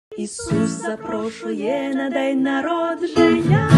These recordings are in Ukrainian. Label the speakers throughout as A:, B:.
A: Ісус запрошує на день народження.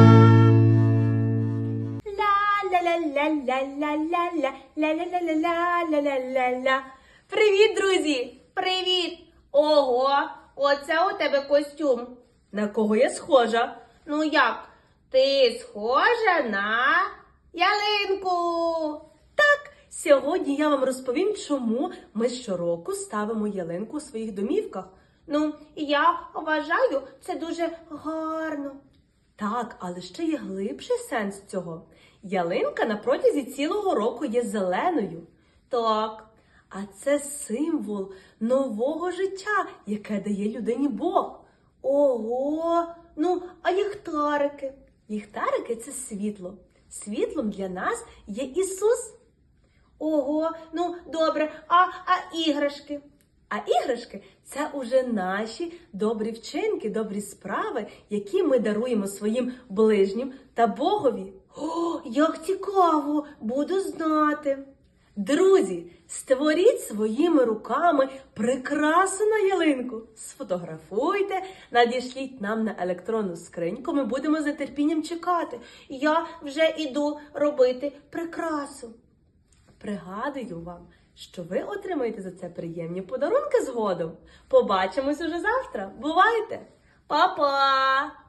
B: Ля-ля-ля-ля-ля-ля-ля-ля-ля-ля-ля-ля-ля-ля-ля. Привіт, друзі! Привіт! Ого, оце у тебе костюм. На кого я схожа? Ну як? Ти схожа на ялинку. Так, сьогодні я вам розповім, чому ми щороку ставимо ялинку у своїх домівках. Ну, я вважаю, це дуже гарно. Так, але ще є глибший сенс цього. Ялинка на протязі цілого року є зеленою. Так, а це символ нового життя, яке дає людині Бог. Ого! Ну, а ліхтарики? Ліхтарики – це світло. Світлом для нас є Ісус. Ого, ну добре, а іграшки? А іграшки – це уже наші добрі вчинки, добрі справи, які ми даруємо своїм ближнім та Богові. О, як цікаво! Буду знати. Друзі, створіть своїми руками прикрасу на ялинку. Сфотографуйте, надішліть нам на електронну скриньку, ми будемо з нетерпінням чекати. Я вже іду робити прикрасу. Пригадую вам, що ви отримаєте за це приємні подарунки згодом. Побачимось уже завтра. Бувайте! Па-па!